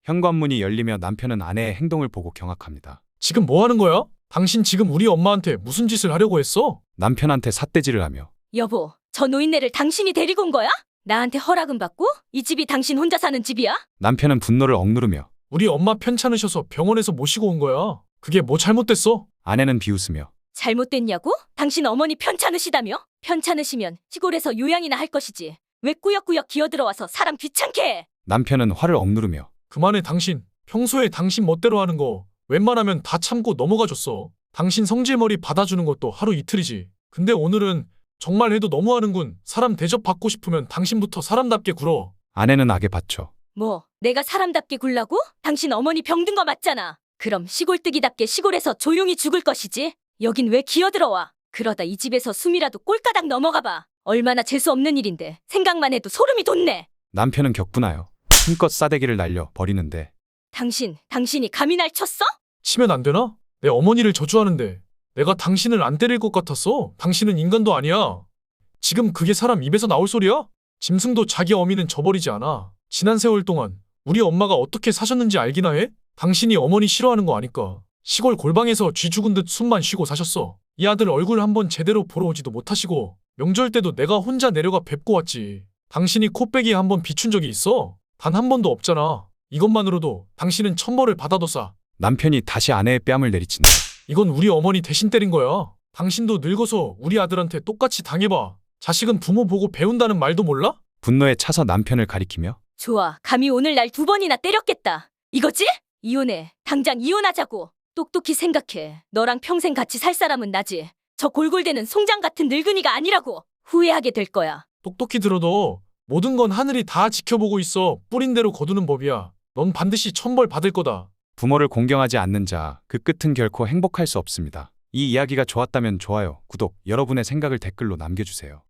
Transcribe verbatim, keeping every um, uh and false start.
현관문이 열리며 남편은 아내의 행동을 보고 경악합니다. 지금 뭐 하는 거야? 당신 지금 우리 엄마한테 무슨 짓을 하려고 했어? 남편한테 삿대질을 하며 여보, 저 노인네를 당신이 데리고 온 거야? 나한테 허락은 받고? 이 집이 당신 혼자 사는 집이야? 남편은 분노를 억누르며 우리 엄마 편찮으셔서 병원에서 모시고 온 거야. 그게 뭐 잘못됐어? 아내는 비웃으며 잘못됐냐고? 당신 어머니 편찮으시다며? 편찮으시면 시골에서 요양이나 할 것이지. 왜 꾸역꾸역 기어들어와서 사람 귀찮게 해? 남편은 화를 억누르며 그만해 당신. 평소에 당신 멋대로 하는 거 웬만하면 다 참고 넘어가줬어. 당신 성질머리 받아주는 것도 하루 이틀이지. 근데 오늘은 정말 해도 너무하는군. 사람 대접받고 싶으면 당신부터 사람답게 굴어. 아내는 악에 받쳐 뭐, 내가 사람답게 굴라고? 당신 어머니 병든 거 맞잖아. 그럼 시골뜨기답게 시골에서 조용히 죽을 것이지. 여긴 왜 기어들어와? 그러다 이 집에서 숨이라도 꼴까닥 넘어가봐. 얼마나 재수없는 일인데 생각만 해도 소름이 돋네. 남편은 격분하여 힘껏 싸대기를 날려 버리는데 당신, 당신이 감히 날 쳤어? 치면 안 되나? 내 어머니를 저주하는데 내가 당신을 안 때릴 것 같았어. 당신은 인간도 아니야. 지금 그게 사람 입에서 나올 소리야? 짐승도 자기 어미는 저버리지 않아. 지난 세월 동안 우리 엄마가 어떻게 사셨는지 알기나 해? 당신이 어머니 싫어하는 거 아니까. 시골 골방에서 쥐 죽은 듯 숨만 쉬고 사셨어. 이 아들 얼굴 한번 제대로 보러 오지도 못하시고 명절 때도 내가 혼자 내려가 뵙고 왔지. 당신이 코빼기에 한번 비춘 적이 있어? 단 한 번도 없잖아. 이것만으로도 당신은 천벌을 받아도싸. 남편이 다시 아내의 뺨을 내리친다. 이건 우리 어머니 대신 때린 거야. 당신도 늙어서 우리 아들한테 똑같이 당해봐. 자식은 부모 보고 배운다는 말도 몰라? 분노에 차서 남편을 가리키며 좋아, 감히 오늘 날 두 번이나 때렸겠다. 이거지? 이혼해. 당장 이혼하자고. 똑똑히 생각해. 너랑 평생 같이 살 사람은 나지. 저 골골대는 송장 같은 늙은이가 아니라고. 후회하게 될 거야. 똑똑히 들어도 모든 건 하늘이 다 지켜보고 있어. 뿌린 대로 거두는 법이야. 넌 반드시 천벌 받을 거다. 부모를 공경하지 않는 자, 그 끝은 결코 행복할 수 없습니다. 이 이야기가 좋았다면 좋아요, 구독, 여러분의 생각을 댓글로 남겨주세요.